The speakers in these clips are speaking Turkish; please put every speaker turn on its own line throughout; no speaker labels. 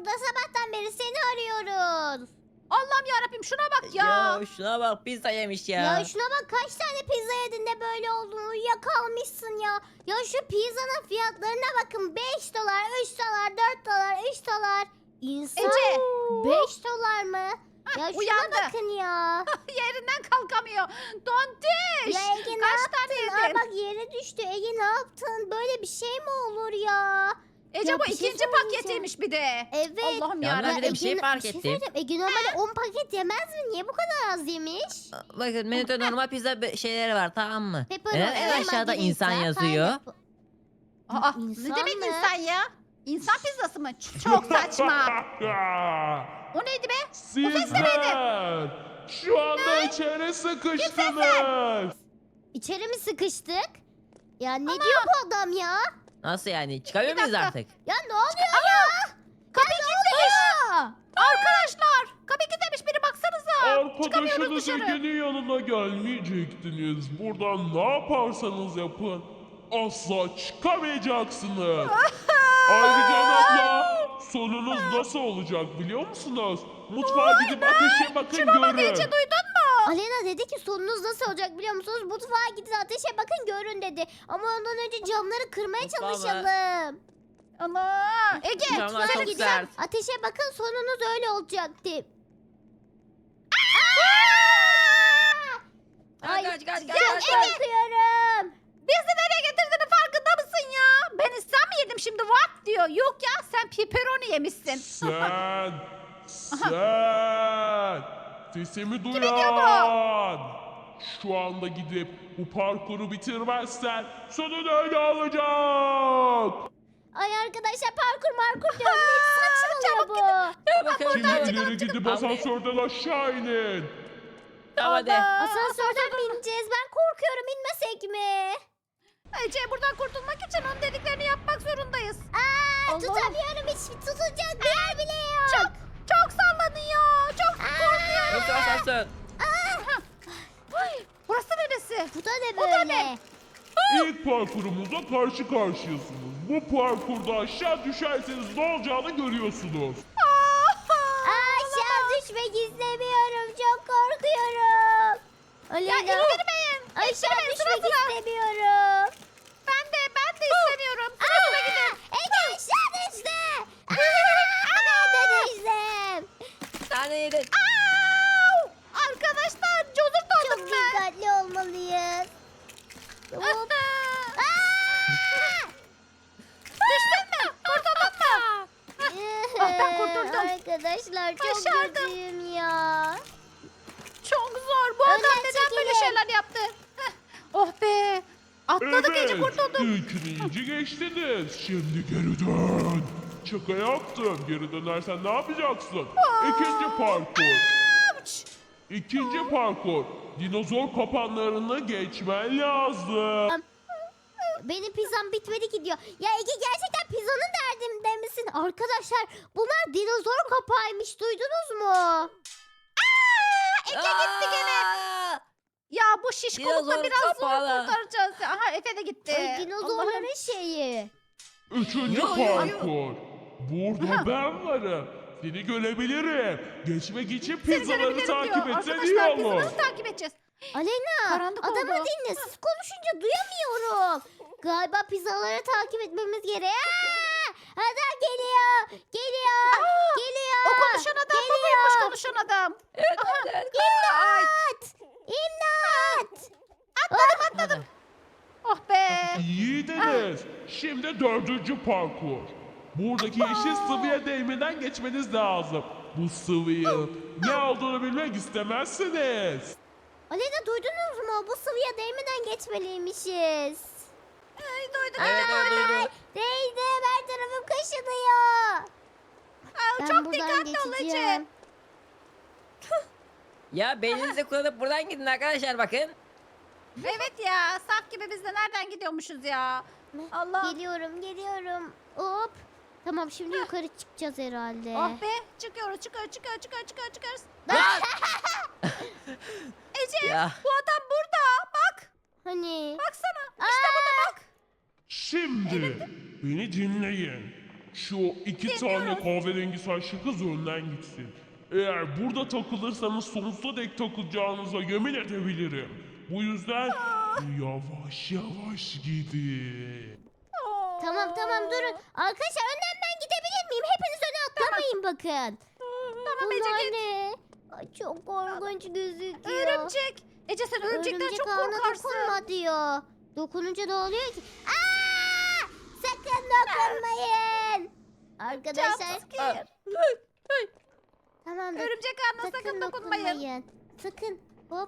burada? Sabahtan beri seni arıyoruz.
Allah'ım yarabbim şuna bak ya.
Ya şuna bak pizza yemiş ya.
Ya şuna bak, kaç tane pizza yedin de böyle oldun, uyuyakalmışsın ya. Ya şu pizzanın fiyatlarına bakın. 5 dolar, 3 dolar, 4 dolar, 3 dolar. İnsan
Ece.
5 dolar mı? Ya şuna
uyandı.
bakın ya.
Yerinden kalkamıyor. Dondiş.
Ya Ege ne
Kaç
yaptın?
tane
Aa,
yedin?
bak yere düştü. Ege ne yaptın? Böyle bir şey mi olur ya?
Ece
Ya
bu
bir şey
ikinci
söyleyeceğim.
paketiymiş bir de.
Evet.
Allah'ım
Ya
yarabbim.
ben bir de bir şey fark ettim.
söyleyeceğim. Ege normalde 10 paket yemez mi? Niye bu kadar az yemiş?
Bakın menüde normal pizza şeyleri var, tamam mı?
Pepperoni,
Neden en aşağıda
margarita,
insan yazıyor?
pineapple.
Aa,
İnsan
ne demek
mı?
insan ya? İnsan pizzası mı? Çok saçma. O neydi be?
Sizler şu anda içeri sıkıştınız.
İçeri mi sıkıştık? Ya ne diyor bu adam ya?
Nasıl yani? Çıkamıyor
Bir
muyuz
dakika.
artık?
Ya ne oluyor ya?
Kapı kilitlemiş. Arkadaşlar kapı kilitlemiş, biri baksanıza. Çıkamıyoruz
Arkadaşınız
dışarı.
Ege'nin yanına gelmeyecektiniz. Buradan ne yaparsanız yapın asla çıkamayacaksınız. Ayrıca abla sonunuz nasıl olacak biliyor musunuz? Mutfağa gidip ateşe bakın görün.
Ece duydun mu?
Alena dedi ki sonunuz nasıl olacak biliyor musunuz? Mutfağa gidin, ateşe bakın görün dedi. Ama ondan önce camları kırmaya
Mutfağa mı?
çalışalım.
Ana. Ege
Camlar
Mutfağa
çok
gidin,
sert.
ateşe bakın, sonunuz öyle olacak diye. Ay,
Kaç kaç
ya
kaç kaç.
korkuyorum.
bizi nereye getirdiğini farkında mısın ya? Ben İslam mı yedim şimdi what diyor. Yok ya sen pepperoni yemişsin.
Sen sesimi
diyor
duyan. Şu anda gidip bu parkuru bitirmezsen sonun öyle olacak.
Ay arkadaşlar, parkur diyorum. Ne saçmalıyor bu?
Ya bakın
Şimdi ileri gidip asansörden aşağı inin.
Tamam hadi.
Allah.
Asansörden mi ineceğiz? Ben korkuyorum, inmesek mi?
Ece buradan kurtulmak için onun dediklerini yapmak zorundayız.
Aa,
Allah.
tutamıyorum, hiç tutulacak bir yer bile yok.
Çok sallanıyor. Çok korkuyorum.
Nasıl asansör?
Ay, burası neresi?
Bu da ne
Bu da
böyle?
ne?
İlk parkurumuzla karşı karşıyasınız. Bu parkurda aşağı düşerseniz ne olacağını görüyorsunuz.
Aşağı düşmek istemiyorum. Çok korkuyorum. Alena.
Ya indirmeyin.
Aşağı
İndirmeyin, sıra
düşmek
sıra.
istemiyorum.
Ben de istemiyorum. Sıra sıra gidin.
Ege aşağı düştü. Ben de düştüm.
Bir tane yedin.
Au! Arkadaşlar cozur
Çok
doldum ben.
dikkatli olmalıyız. Hop.
Düştün mü? Kurtuldun mu? Ah, ben kurtuldum.
Arkadaşlar çok
Başardım.
kötüyüm ya.
Çok zor. Bu adam
Önden
neden böyle
çekilin.
şeyler yaptı? Heh. Oh be. Atladık Ece kurtulduk.
İlkini geçtiniz. Şimdi geri dön. Şaka yaptım. Geri dönersen ne yapacaksın? İkinci parkur.
Uç.
İkinci parkur. Dinozor kapanlarını geçmen lazım.
Benim pizzam bitmedi ki diyor. Ya Ege, gerçekten pizzanın derdinde misin? Arkadaşlar bunlar dinozor kapağıymış, duydunuz mu?
Ece gitti gene.
Aa!
Ya bu şişkolukla
Dinozor
biraz zor
kapalı.
kurtaracağız. Aha Efe de gitti.
Ay,
Allah'ım.
dinozorların şeyi.
Üçüncü
Yo, yo, yo.
parkur. Burada ben varım. Seni görebilirim. Geçmek için pizzaları
Görebilirim
takip
diyor.
etsen iyi
Arkadaşlar biz
olur.
nasıl takip edeceğiz?
Alena,
Karanlık
adamı
oldu.
dinle. Siz konuşunca duyamıyorum. Galiba pizzaları takip etmemiz gerek. Adam geliyor. Geliyor. Geliyor.
O konuşan adam bu muymuş konuşan adam?
İmdat. İmdat.
Atladım. Oh be.
İyiydiniz. Şimdi dördüncü parkur. Buradaki yeşil sıvıya değmeden geçmeniz lazım. Bu sıvıyı ne olduğunu bilmek istemezsiniz.
Alena, duydunuz mu? Bu sıvıya değmeden geçmeliymişiz.
Ay, duydum.
Evet o duydu.
Değdi. Her tarafım kaşınıyor.
Aa,
Ben
çok
buradan
dikkatli ol Ece.
geçeceğim.
Ya beyninizi kullanıp buradan gidin arkadaşlar bakın.
Evet ya saf gibi biz de nereden gidiyormuşuz ya. Allah.
Geliyorum. Hop. Tamam, şimdi yukarı çıkacağız herhalde.
Oh be çıkıyoruz. Çıkıyoruz.
Lan!
Ece
Ya.
bu adam burada. Bak.
Hani?
Baksana. İşte burada bak.
Şimdi beni dinleyin. Şu iki tane kahverengi saçlı kız önden gitsin. Eğer burada takılırsanız sonsuza dek takılacağınıza yemin edebilirim. Bu yüzden yavaş yavaş gidin.
Tamam durun. Arkadaşlar önden ben gidebilir miyim? Hepiniz öne atlamayın bakın.
Tamam Ece
Bunlar
git.
ne? Ay, çok korkunç gözüküyor.
Örümcek. Ece sen örümcekten çok
ağına
korkarsın.
dokunma diyor. Dokununca ne oluyor ki? Aa! Sakın dokunmayın. Arkadaşlar
Jumpscare.
tamam
Örümcek ağına sakın dokunmayın.
Sakın. Hop.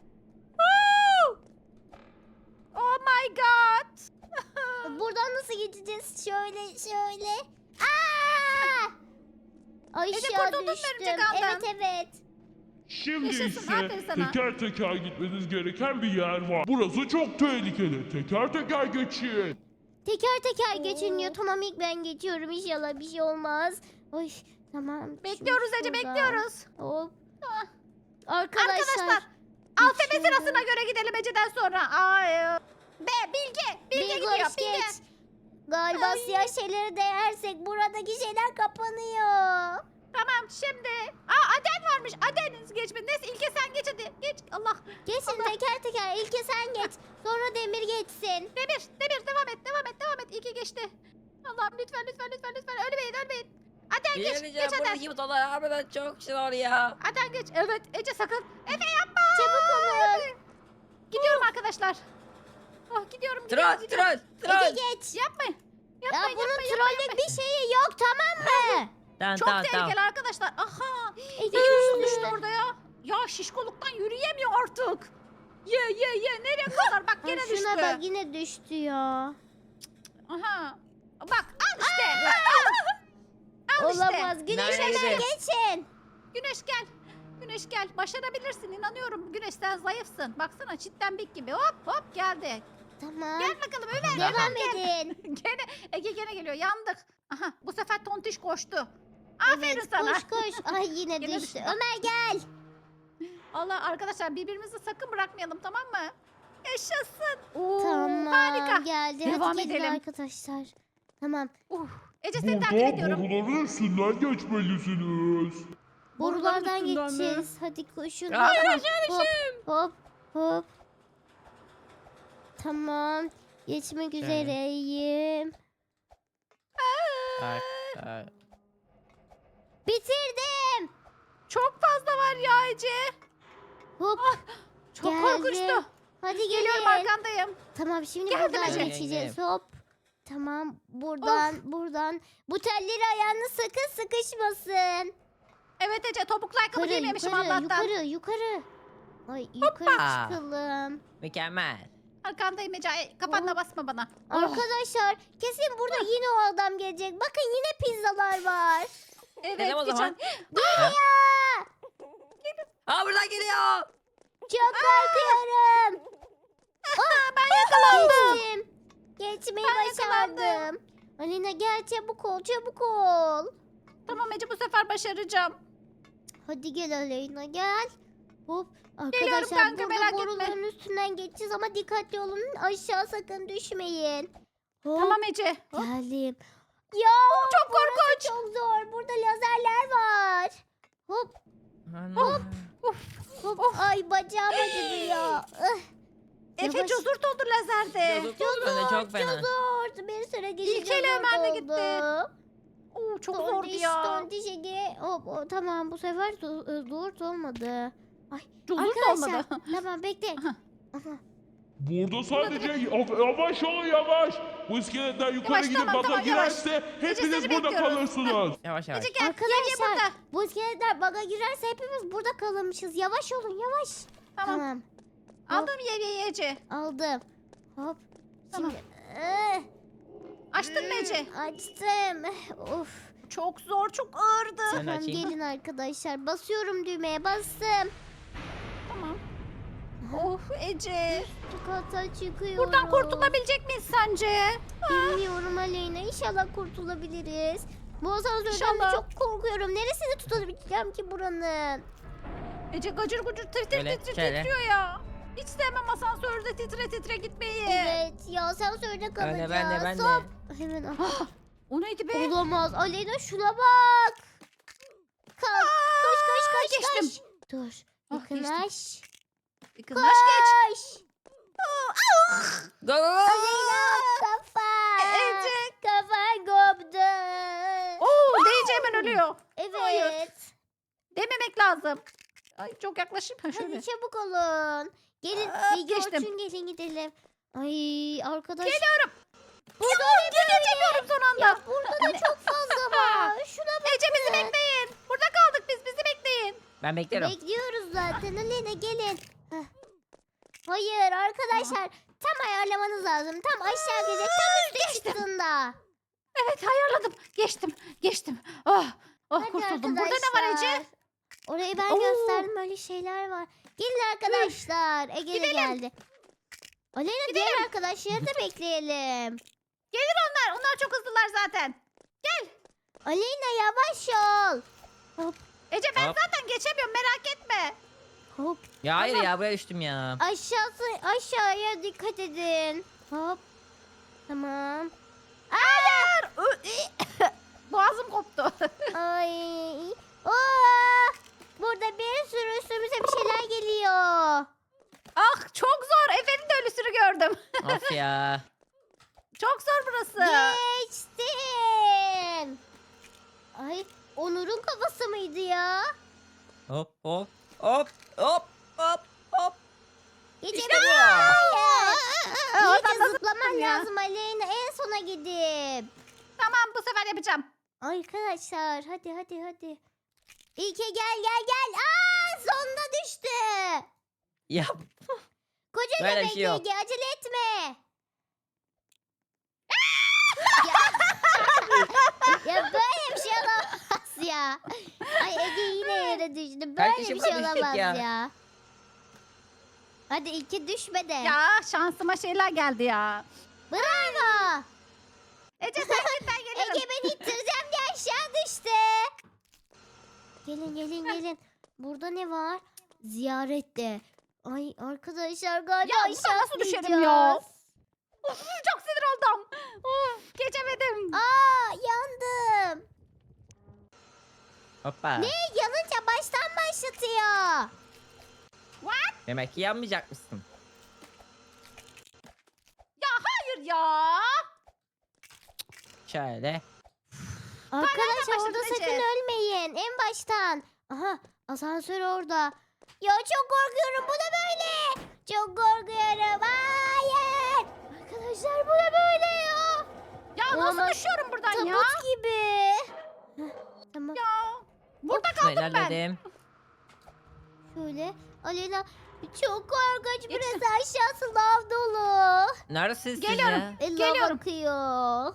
Oh my god.
Buradan nasıl geçeceğiz? Şöyle. Aa! Aşağı
kurtuldun mu
düştüm.
örümcek ağından?
Evet.
Şimdi
Yaşasın, aferin
ise
sana.
teker teker gitmeniz gereken bir yer var. Burası çok tehlikeli. Teker teker geçin.
Teker teker geçiniyor. Tamam ilk ben geçiyorum. İnşallah bir şey olmaz. Oy tamam.
Bekliyoruz
Şimdi
Ece
şuradan.
bekliyoruz.
Hop.
Ah.
Arkadaşlar.
Arkadaşlar alfabe
geçiyorum.
sırasına göre gidelim Ece'den sonra. Ay. Bilge
Bilge
gidiyor.
hoş
Bilge.
geç. Galiba siyah şeyleri değersek buradaki şeyler kapanıyor.
Tamam şimdi. Aden varmış. Aden'iniz geçmedi. Neyse İlke sen geç hadi. Geç. Allah.
Geçin teker teker. İlke sen geç. Sonra Demir geçsin.
Demir devam et. İlke geçti. Allah'ım lütfen. Ölmeyin. Aden geç.
Geleceğim
Geç Aden.
buradaki butonlar harbiden çok zor ya.
Aden geç. Evet Ece sakın. Efe yapma.
Çabuk olun.
Gidiyorum arkadaşlar. Gidiyorum.
Troll.
Ece geç.
Yapmayın.
Ya bunun trollük bir şeyi yok tamam mı?
Tamam
Çok
tamam
tehlikeli
tamam.
arkadaşlar. Aha.
Ece
Düştü
düştü.
orada ya. Ya şişkoluktan yürüyemiyor artık. Ye. Nereye kadar? Bak
Ay,
gene düştü.
şuna bak yine düştü ya.
Aha. Bak al işte. Al işte.
Olamaz. Güneş
Nerede?
hemen geçin.
Güneş gel. Başarabilirsin inanıyorum. Güneş sen zayıfsın. Baksana çitlenbik gibi. Hop geldi.
Tamam.
Gel bakalım Ömer.
Devam edin.
Ege gene geliyor. Yandık. Aha bu sefer tontiş koştu. Aferin
Evet,
sana.
koş. Ay yine
Yine
düştü.
düştü.
Ömer gel.
Allah arkadaşlar birbirimizi sakın bırakmayalım tamam mı? Yaşasın. Oo,
Tamam
Harika.
geldi.
Devam
Hadi gelin
edelim.
arkadaşlar. Tamam.
Ece seni takip
Burada
ediyorum.
boruların üstünden geçmelisiniz.
Borulardan
üstünden mi?
geçeceğiz. Hadi koşun.
Ya,
Hop. Tamam. Geçmek üzereyim. Bitirdim.
Çok fazla var ya Ece.
Hop.
Çok
Geldim.
korkunçtu.
Hadi
Geliyorum
gelin.
arkandayım.
Tamam şimdi
Geldim
buradan
Ece.
geçeceğiz. Hop. Tamam buradan. Bu telleri ayağına sakın sıkışmasın.
Evet Ece topuklu ayakkabı giymemişim Allah'tan.
Yukarı. Ay yukarı
Hoppa.
çıkalım.
Mükemmel.
Arkandayım Ece. Kafanla basma bana.
Arkadaşlar kesin burada yine o adam gelecek. Bakın yine pizzalar var.
Evet
Gidelim o zaman.
Ya,
Buradan geliyor.
çok korkuyorum.
Ben yakalandım.
Geçtim. Geçmeyi
Ben
başardım. Alina gel çabuk ol.
Tamam Ece bu sefer başaracağım.
Hadi gel Aleyna gel. Hop.
Geliyorum
Arkadaşlar
kanka, merak
burada
etme.
boruların üstünden geçeceğiz ama dikkatli olun. Aşağı sakın düşmeyin. Hop.
Tamam Ece.
Geldim. Ya
Çok korkunç.
çok zor. Burada lazerler var. Hop.
Of.
Ay bacağım acıdı ya.
Efe
Yavaş.
cozurt oldu lazerde.
Çok fena.
Zor. Bir süre geçince
İlkeyle Ömer'le
zor
gitti.
oldu.
Oo, çok zordu ya.
Tontiş Ege. Hop, tamam bu sefer zor olmadı. Ay
Cozurt
arkadaşlar.
olmadı.
Tamam bekle.
Aha.
Aha.
Burada sadece yavaş olun yavaş. Bu iskeletler yukarı
Yavaş,
gidip
tamam,
baga
tamam, yavaş.
girerse hepiniz
seni
burada
bekliyoruz.
kalırsınız.
Yavaş yavaş.
Ece gel. Gel
Arkadaşlar
burada.
bu iskeletler baga girerse hepimiz burada kalırmışız. Yavaş olun yavaş.
Tamam. Aldım yemeği Ece.
Aldım. Hop.
Tamam.
Şimdi,
Açtın mı Ece?
açtım. Of.
Çok zor, çok ağırdı.
Sen
Tamam
açayım.
gelin arkadaşlar. Basıyorum düğmeye bastım.
Tamam. Of Ece.
Kata çıkıyorum.
Buradan kurtulabilecek miyiz sence?
Bilmiyorum Aleyna. İnşallah kurtulabiliriz. Bu asansörden de
İnşallah.
çok korkuyorum. Neresini tutabileceğim ki buranın?
Ece gacır gucur
Şöyle, şöyle.
titriyor ya. Hiç sevmem asansörde titre gitmeyi.
Evet ya asansörde kalacağız.
Ben de.
Hop. Hemen
O neydi be?
Olamaz. Aleyna şuna bak. Kalk. Koş.
geçtim.
Dur.
Ah,
Yakınlaş.
Kızlaş geç.
Koş.
Go go go.
Aleyna kafa.
Ece.
Kafan koptu.
Oo deyince hemen ölüyor. Hayır.
Evet.
Dememek lazım. Ay çok yaklaşayım. Ha şöyle.
Hadi çabuk olun. Gelin.
Aa,
Bilge
geçtim.
Orçun gelin gidelim. Ay arkadaş.
Geliyorum.
Burada
Geçemiyorum son anda.
Ya burada da çok fazla var. Şuna bak.
Ece bizi bekleyin. Burada kaldık biz. Bizi bekleyin.
Ben bekliyorum.
Bekliyoruz zaten. Aleyna gelin. Heh. Hayır arkadaşlar. Tam ayarlamanız lazım. Tam aşağı gelecek. Tam üstte çıktığında.
Evet ayarladım. Geçtim. Oh,
Hadi
kurtuldum. Burada ne var Ece?
arkadaşlar. Orayı ben
Oo.
gösterdim. Öyle şeyler var. Gelin arkadaşlar. Ege de
Gidelim.
geldi. Aleyna diğer arkadaşları da bekleyelim.
Gelir onlar. Onlar çok hızlılar zaten.
Aleyna yavaş ol. Hop
Ece ben
Hop.
zaten geçemiyorum merak etme.
hop.
Ya hayır ya buraya düştüm ya.
Aşağıya dikkat edin. Hop. Tamam.
Boğazım koptu.
Ay. Oo! Burada bir sürü üstümüze bir şeyler geliyor.
Ah çok zor. Efe'nin de ölüsünü gördüm.
Of ya.
Çok zor burası.
Geçtim. Ay Onur'un kafası mıydı ya?
Hop hop hop hop hop hop.
Geçemedim.
İşte bu.
Hayır.
Oradan
İyice
nasıl
zıplaman
çıktın ya?
lazım Aleyna. En sona gidip.
Tamam bu sefer yapacağım.
Arkadaşlar hadi. İlke gel. Aa sonunda düştü.
Ya
Koca
Böyle bir
göbek
şey yok.
Ege acele etme. ya böyle bir şey olamaz ya. Ay Ege yine yere düştü.
Kaç
Böyle
kişi
bir şey
buna düşecek
olamaz
ya?
ya. Hadi İlke düşme de.
Ya şansıma şeyler geldi ya.
Bravo.
Ece sen git ben gelirim.
Ege beni ittireceğim diye aşağı düştü. Gelin. Burada ne var? Ziyarette. Ay arkadaşlar galiba
Ya,
aşağı
buradan nasıl düşerim
atlayacağız.
ya? Of, çok sinir oldum. Of, geçemedim.
Aa yandım.
hoppa.
Ne yanınca baştan başlatıyor.
Demek ki yanmayacak mısın?
Hayır ya.
Şöyle.
Arkadaşlar
başladın
orada sakın
Ece?
ölmeyin. En baştan. Aha asansör orada. Ya çok korkuyorum. Bu da böyle. Çok korkuyorum. Hayır. Arkadaşlar bu da böyle ya.
Ya
Olamaz.
nasıl düşüyorum buradan ya?
Tabut gibi. Heh, tamam.
Ya. Burada
Şöyle
kaldım ben.
ilerledim.
Şöyle. Aleyna çok korkunç.
Geçtim.
Burası aşağısı lav dolu.
Neredesiniz siz
Geliyorum.
ya?
Lav
Geliyorum.
akıyor.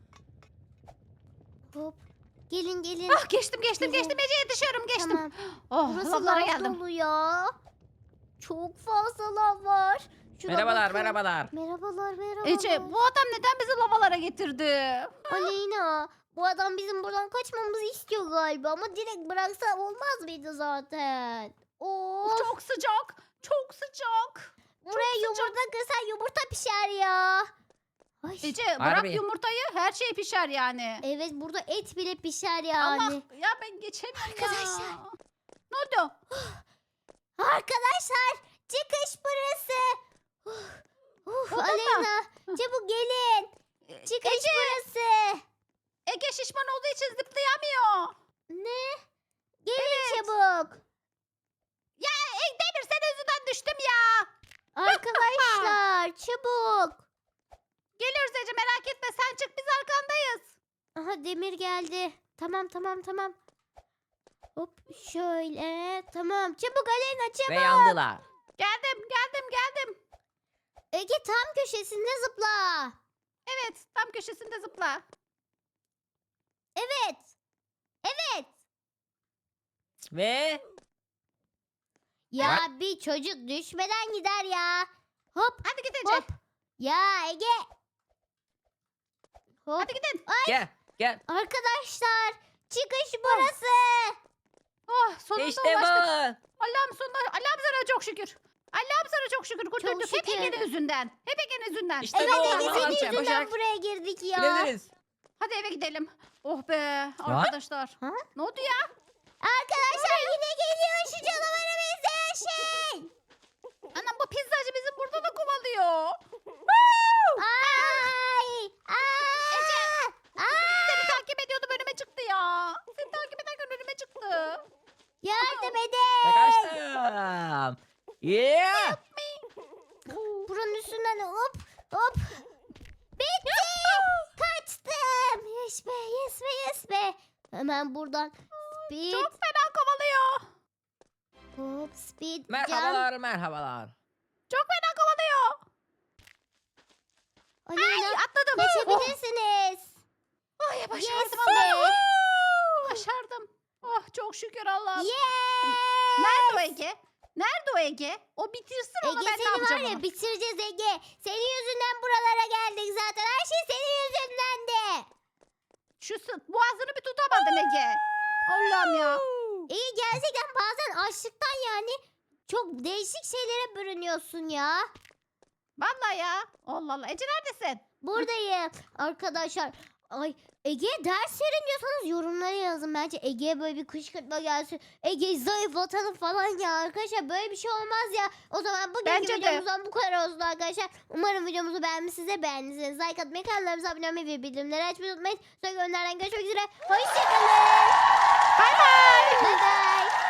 Hop. Gelin.
Ah geçtim Ece yetişiyorum geçtim.
Tamam.
Oh
Burası
lavlara
lav
geldim.
dolu ya. Çok fazla lav var. Şuna
Merhabalar
bakın.
merhabalar.
Merhabalar.
Ece bu adam neden bizi lavalara getirdi?
Aleyna bu adam bizim buradan kaçmamızı istiyor galiba ama direkt bıraksa olmaz mıydı zaten? Of.
Çok sıcak. Çok sıcak.
Buraya yumurta kırsan yumurta pişer ya. Ay.
Ece bırak
Harbi.
yumurtayı her şey pişer yani.
Evet burada et bile pişer yani.
Allah ya ben geçemiyorum
Arkadaşlar.
ya. Ne oldu?
Arkadaşlar çıkış burası.
Burada mı?
Aleyna çabuk gelin. Çıkış
Ece,
burası.
Ege şişman olduğu için zıplayamıyor.
Ne? Gelin çabuk.
Ya Demir senin yüzünden düştüm ya.
Arkadaşlar çabuk.
Geliyoruz Ece merak etme sen çık biz arkandayız.
Aha Demir geldi. Tamam. Hop şöyle. Tamam çabuk Aleyna çabuk.
Ve yandılar.
Geldim.
Ege tam köşesinde zıpla.
Evet tam köşesinde zıpla.
Evet.
Ve
Ya bir çocuk düşmeden gider ya. Hop
Hadi git Ece.
hop. Ya Ege. Hop.
Hadi gidin.
gel.
Arkadaşlar çıkış burası.
Oh sonunda
İşte bu.
ulaştık. Allah'ım sonunda. Allah'ım sana çok şükür. Allah'ım sana çok şükür kurtulduk. Hep
şükür.
Ege'nin yüzünden. Hep Ege'nin yüzünden.
İşte
Evet
bu.
Ege senin
Allah'ım
yüzünden
koşarak
buraya girdik ya.
gidebiliriz.
Hadi eve gidelim. Oh be arkadaşlar.
Ha?
Ne oldu ya?
Arkadaşlar yine geliyor şu canavara benzeyen şey.
Anam bu pizzacı bizi burada da kovalıyor.
Ay! Aa! Aa!
Seni takip ediyordum önüme çıktı ya. Seni takip ederken önüme çıktı.
Yardım
Ve
edin.
kaçtım. Yeah.
Buranın üstünden hop hop. Bitti. Kaçtım. Yes be yes be yes be. Hemen buradan speed
Çok fena kovalıyor.
hop speed jump.
Merhabalar merhabalar.
Çok fena kovalıyor.
Aleyna
Atladım.
geçebilirsiniz.
Oh, ay başardım
Yes be.
ama. Başardım. Oh çok şükür Allah'ım.
Yes.
Nerede o Ege? Nerede o Ege? O bitirsin onu
Ege
ben ne
seni var
yapacağım
ya
onu?
bitireceğiz Ege. Senin yüzünden buralara geldik zaten. Her şey senin yüzündendi.
Şu boğazını bir tutamadın Ege. Allah'ım ya.
Ege gerçekten bazen açlıktan yani çok değişik şeylere bürünüyorsun ya.
Vallahi ya. Allah Allah. Ece neredesin?
Buradayım arkadaşlar. Ay Ege ders verin diyorsanız yorumlara yazın. Bence Ege'ye böyle bir kışkırtma gelsin. Ege'yi zayıflatalım falan ya. Arkadaşlar böyle bir şey olmaz ya. O zaman bugünkü
Bence de.
videomuzdan bu kadar olsun arkadaşlar. Umarım videomuzu beğenmişsiniz. Beğendiyseniz like atmayı, kanallarımıza abone olmayı ve bildirimleri açmayı unutmayın. Sonraki günlerden görüşmek üzere. Hoşçakalın.
Bay bay.
Bye bye.